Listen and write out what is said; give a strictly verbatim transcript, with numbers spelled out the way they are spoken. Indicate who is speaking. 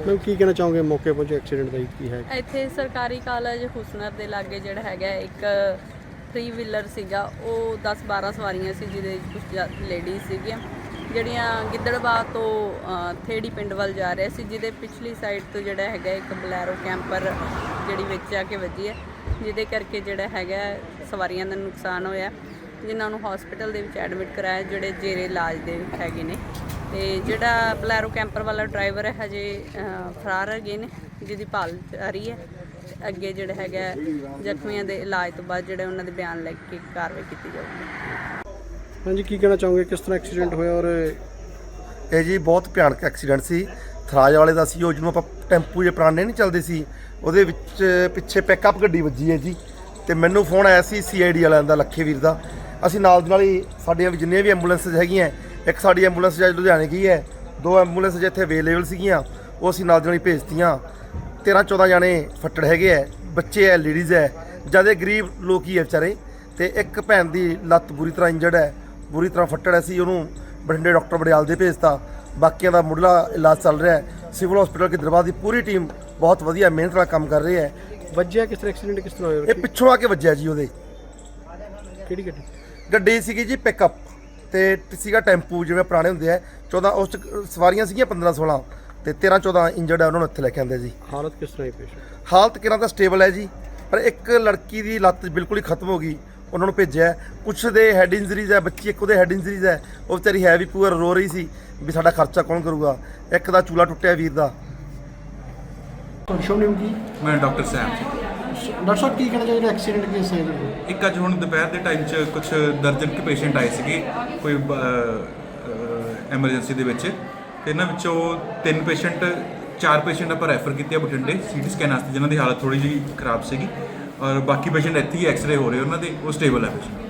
Speaker 1: Ma'am ਕੀ ਕਹਿਣਾ ਚਾਹੋਗੇ ਮੌਕੇ ਪਹੁੰਚੇ ਐਕਸੀਡੈਂਟ ਦਾ ਕੀ ਹੈ?
Speaker 2: ਇੱਥੇ ਸਰਕਾਰੀ ਕਾਲਜ ਹੁਸਨਰ ਦੇ ਲਾਗੇ ਜਿਹੜਾ ਹੈਗਾ ਇੱਕ ਥਰੀ ਵੀਲਰ ਸੀਗਾ, ਉਹ ਦਸ ਬਾਰਾਂ ਸਵਾਰੀਆਂ ਸੀ, ਜਿਹਦੇ ਵਿੱਚ ਕੁਝ ਲੇਡੀਜ਼ ਸੀਗੀਆਂ ਜਿਹੜੀਆਂ ਗਿੱਦੜਬਾਹ ਤੋਂ ਥੇੜੀ ਪਿੰਡ ਵੱਲ ਜਾ ਰਹੇ ਸੀ, ਜਿਹਦੇ ਪਿਛਲੀ ਸਾਈਡ ਤੋਂ ਜਿਹੜਾ ਹੈਗਾ ਇੱਕ ਬਲੈਰੋ ਕੈਂਪਰ ਜਿਹੜੀ ਵਿੱਚ ਆ ਕੇ ਵੱਜੀ ਹੈ, ਜਿਹਦੇ ਕਰਕੇ ਜਿਹੜਾ ਹੈਗਾ ਸਵਾਰੀਆਂ ਦਾ ਨੁਕਸਾਨ ਹੋਇਆ, ਜਿਨ੍ਹਾਂ ਨੂੰ ਹਸਪੀਟਲ ਦੇ ਵਿੱਚ ਐਡਮਿਟ ਕਰਾਇਆ, ਜਿਹੜੇ ਜੇਰੇ ਇਲਾਜ ਦੇ ਹੈਗੇ ਨੇ। ਤੇ ਜਿਹੜਾ ਬਲੈਰੋ ਕੈਂਪਰ ਵਾਲਾ ਡਰਾਈਵਰ ਹੈ ਹਜੇ ਫਰਾਰ ਹੈਗੇ ਨੇ, ਜਿਹਦੀ ਭਾਲ ਜਾਰੀ ਹੈ। ਅੱਗੇ ਜਿਹੜਾ ਹੈਗਾ ਜ਼ਖਮੀਆਂ ਦੇ ਇਲਾਜ ਤੋਂ ਬਾਅਦ ਜਿਹੜੇ ਉਹਨਾਂ ਦੇ ਬਿਆਨ ਲੈ ਕੇ ਕਾਰਵਾਈ ਕੀਤੀ ਜਾਊਗੀ।
Speaker 1: ਹਾਂਜੀ, ਕੀ ਕਹਿਣਾ ਚਾਹੋਗੇ ਕਿਸ ਤਰ੍ਹਾਂ ਐਕਸੀਡੈਂਟ ਹੋਇਆ? ਔਰ
Speaker 3: ਇਹ ਜੀ ਬਹੁਤ ਭਿਆਨਕ ਐਕਸੀਡੈਂਟ ਸੀ। ਥਰਾਜ ਵਾਲੇ ਦਾ ਸੀ, ਉਹ ਜਿਹਨੂੰ ਆਪਾਂ ਟੈਂਪੂ ਜੇ ਪੁਰਾਣੇ ਨਹੀਂ ਚੱਲਦੇ ਸੀ, ਉਹਦੇ ਵਿੱਚ ਪਿੱਛੇ ਪਿਕਅਪ ਗੱਡੀ ਵੱਜੀ ਹੈ ਜੀ। ਤੇ ਮੈਨੂੰ ਫੋਨ ਆਇਆ ਸੀ ਸੀ ਆਈ ਡੀ ਵਾਲਿਆਂ ਦਾ, ਲੱਖੇ ਵੀਰ ਦਾ। ਅਸੀਂ ਨਾਲ ਦੀ ਨਾਲ ਹੀ ਸਾਡੀਆਂ ਵੀ ਜਿੰਨੀਆਂ ਵੀ ਐਂਬੂਲੈਂਸਿਸ ਹੈਗੀਆਂ, ਇੱਕ ਸਾਡੀ ਐਂਬੂਲੈਂਸ ਜਿਹੜਾ ਲੁਧਿਆਣੇ ਗਈ ਹੈ, ਦੋ ਐਂਬੂਲੈਂਸ ਜਿੱਥੇ ਅਵੇਲੇਬਲ ਸੀਗੀਆਂ ਉਹ ਅਸੀਂ ਨਾਲ ਦੀ ਨਾਲ ਹੀ ਭੇਜਤੀਆਂ। ਤੇਰ੍ਹਾਂ ਚੌਦ੍ਹਾਂ ਜਾਣੇ ਫੱਟੜ ਹੈਗੇ ਹੈ, ਬੱਚੇ ਹੈ, ਲੇਡੀਜ਼ ਹੈ, ਜ਼ਿਆਦਾ ਗਰੀਬ ਲੋਕ ਹੀ ਹੈ ਵਿਚਾਰੇ। ਤੇ ਇੱਕ ਭੈਣ ਦੀ ਲੱਤ ਬੁਰੀ ਤਰ੍ਹਾਂ ਇੰਜਰਡ ਹੈ, ਬੁਰੀ ਤਰ੍ਹਾਂ ਫੱਟੜ ਹੈ ਸੀ, ਉਹਨੂੰ ਬਠਿੰਡੇ ਡਾਕਟਰ ਬੜਿਆਲ ਦੇ ਭੇਜਤਾ। ਬਾਕੀਆਂ ਦਾ ਮੁੱਢਲਾ ਇਲਾਜ ਚੱਲ ਰਿਹਾ ਹੈ। ਸਿਵਲ ਹਸਪੀਟਲ ਗਿੱਦੜਬਾਹ ਦੀ ਪੂਰੀ ਟੀਮ ਬਹੁਤ ਵਧੀਆ ਮਿਹਨਤ ਨਾਲ ਕੰਮ ਕਰ ਰਹੀ ਹੈ।
Speaker 1: ਵੱਜਿਆ ਕਿਸ ਤਰ੍ਹਾਂ ਐਕਸੀਡੈਂਟ ਕਿਸ ਤਰ੍ਹਾਂ ਹੋਇਆ?
Speaker 3: ਇਹ ਪਿੱਛੋਂ ਆ ਕੇ ਵੱਜਿਆ ਜੀ। ਉਹਦੇ
Speaker 1: ਕਿਹੜੀ ਗੱਡੀ?
Speaker 3: ਗੱਡੀ ਸੀਗੀ ਜੀ ਪਿਕਅਪ, ਤੇ ਸੀਗਾ ਟੈਂਪੂ ਜਿਵੇਂ ਪੁਰਾਣੇ ਹੁੰਦੇ ਆ। ਚੌਦ੍ਹਾਂ ਉਸ 'ਚ ਸਵਾਰੀਆਂ ਸੀਗੀਆਂ ਪੰਦਰਾਂ ਸੋਲਾਂ, ਤੇ ਤੇਰ੍ਹਾਂ ਚੌਦ੍ਹਾਂ ਇੰਜਰਡ ਹੈ, ਉਹਨਾਂ ਨੂੰ ਇੱਥੇ ਲੈ ਕੇ ਆਉਂਦੇ ਜੀ।
Speaker 1: ਹਾਲਤ ਕਿਸ ਤਰ੍ਹਾਂ ਹੈ ਪੇਸ਼ੈਂਟ?
Speaker 3: ਹਾਲਤ ਕਿਰਾਂ ਤਾਂ ਸਟੇਬਲ ਹੈ ਜੀ, ਪਰ ਇੱਕ ਲੜਕੀ ਦੀ ਲੱਤ ਬਿਲਕੁਲ ਹੀ ਖਤਮ ਹੋ ਗਈ, ਉਹਨਾਂ ਨੂੰ ਭੇਜਿਆ। ਕੁਛ ਦੇ ਹੈਡ ਇੰਜਰੀਜ਼ ਹੈ, ਬੱਚੀ ਇੱਕ ਉਹਦੇ ਹੈਡ ਇੰਜਰੀਜ਼ ਹੈ, ਉਹ ਵਿਚਾਰੀ ਹੈ ਵੀ ਪੂਰ ਰੋ ਰਹੀ ਸੀ ਵੀ ਸਾਡਾ ਖਰਚਾ ਕੌਣ ਕਰੂਗਾ। ਇੱਕ ਦਾ ਚੂਲਾ ਟੁੱਟਿਆ ਵੀਰ ਦਾ।
Speaker 1: ਤੁਹਾਡਾ ਸ਼ੁਭ ਨਾਮ ਕੀ?
Speaker 4: ਮੈਂ ਡਾਕਟਰ ਸੈਮ ਜੀ।
Speaker 1: ਡਾਕਟਰ ਸਾਹਿਬ ਕੀ ਕਹਿਣਾ ਚਾਹੀਦਾ ਐਕਸੀਡੈਂਟ ਕੇਸ ਹੈ?
Speaker 4: ਇੱਕ ਅੱਜ ਹੁਣ ਦੁਪਹਿਰ ਦੇ ਟਾਈਮ 'ਚ ਕੁਝ ਦਰਜਨ ਕੇ ਪੇਸ਼ੈਂਟ ਆਏ ਸੀਗੇ ਕੋਈ ਐਮਰਜੈਂਸੀ ਦੇ ਵਿੱਚ, ਤੇ ਇਹਨਾਂ ਵਿੱਚੋਂ ਤਿੰਨ ਪੇਸ਼ੈਂਟ ਚਾਰ ਪੇਸ਼ੈਂਟ ਆਪਾਂ ਰੈਫਰ ਕੀਤੇ ਆ ਬਠਿੰਡੇ ਸੀਟੀ ਸਕੈਨ ਵਾਸਤੇ, ਜਿਨ੍ਹਾਂ ਦੀ ਹਾਲਤ ਥੋੜੀ ਜਿਹੀ ਖਰਾਬ ਸੀਗੀ, ਔਰ ਬਾਕੀ ਪੇਸ਼ੈਂਟ ਇੱਥੇ ਹੀ ਐਕਸਰੇ ਹੋ ਰਹੇ ਉਹਨਾਂ ਦੇ, ਉਹ ਸਟੇਬਲ ਹੈ ਪੇਸ਼ੈਂਟ।